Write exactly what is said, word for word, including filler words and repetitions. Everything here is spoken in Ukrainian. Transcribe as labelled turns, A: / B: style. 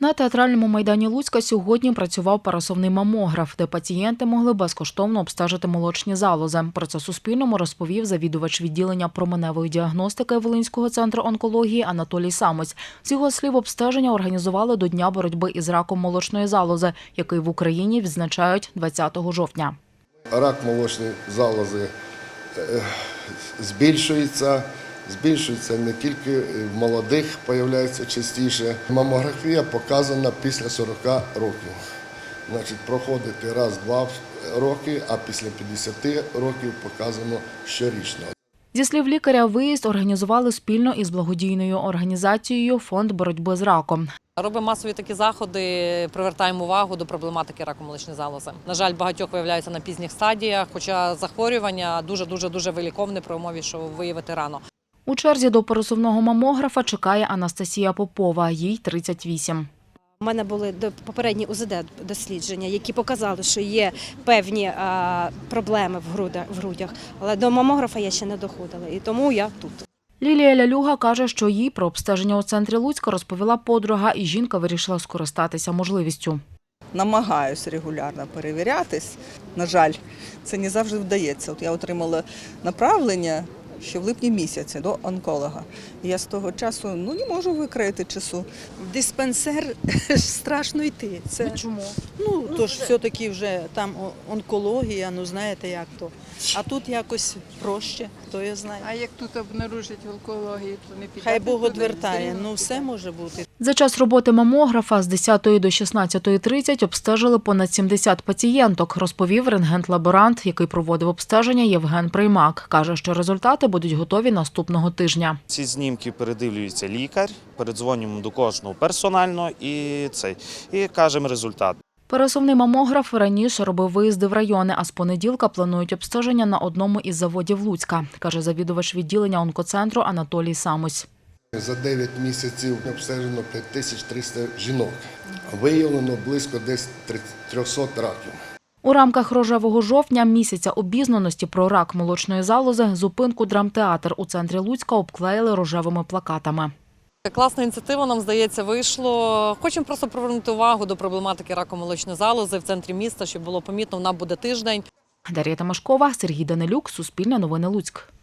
A: На театральному майдані Луцька сьогодні працював пересувний мамограф, де пацієнти могли безкоштовно обстежити молочні залози. Про це Суспільному розповів завідувач відділення променевої діагностики Волинського центру онкології Анатолій Самось. З його слів, обстеження організували до Дня боротьби із раком молочної залози, який в Україні відзначають двадцятого жовтня.
B: Рак молочної залози збільшується. Збільшується не тільки в молодих, з'являється частіше. Мамографія показана після сорока років. Значить, проходити раз-два роки, а після п'ятдесяти років показано щорічно.
A: Зі слів лікаря, виїзд організували спільно із благодійною організацією «Фонд боротьби з раком».
C: Робимо масові такі заходи, привертаємо увагу до проблематики раку молочної залози. На жаль, багатьох виявляються на пізніх стадіях, хоча захворювання дуже-дуже виліковне при умові, що виявити рано.
A: У черзі до пересувного мамографа чекає Анастасія Попова, їй тридцять вісім.
D: У мене були попередні У З Д дослідження, які показали, що є певні проблеми в грудях, але до мамографа я ще не доходила, і тому я тут.
A: Лілія Лялюга каже, що їй про обстеження у центрі Луцька розповіла подруга, і жінка вирішила скористатися можливістю.
E: Намагаюся регулярно перевірятись. На жаль, це не завжди вдається. От я отримала направлення ще в липні місяці до онколога. І я з того часу ну, не можу викроїти часу.
F: В диспансер страшно йти. Це,
A: чому?
F: Ну, то ж все-таки вже там онкологія, ну знаєте як то. А тут якось проще, хто я знає.
G: А як тут обнаружать онкологію, то не піде?
F: Хай Бог одвертає, ну все може бути.
A: За час роботи мамографа з десятої до шістнадцятої тридцять обстежили понад сімдесят пацієнток, розповів рентген-лаборант, який проводив обстеження Євген Приймак. Каже, що результати будуть готові наступного тижня.
H: Ці знімки передивлюється лікар, передзвонюємо до кожного персонально і, цей, і кажемо результат.
A: Пересувний мамограф раніше робив виїзди в райони, а з понеділка планують обстеження на одному із заводів Луцька, каже завідувач відділення онкоцентру Анатолій Самось.
B: За дев'ять місяців обстежено п'ять тисяч триста жінок. Виявлено близько десь трьохсот раків.
A: У рамках рожевого жовтня, місяця обізнаності про рак молочної залози, зупинку «Драмтеатр» у центрі Луцька обклеїли рожевими плакатами.
C: Класна ініціатива, нам здається, вийшло. Хочемо просто привернути увагу до проблематики раку молочної залози в центрі міста, щоб було помітно, вона буде тиждень.
A: Дар'я Тимошкова, Сергій Данилюк, Суспільне новини Луцьк.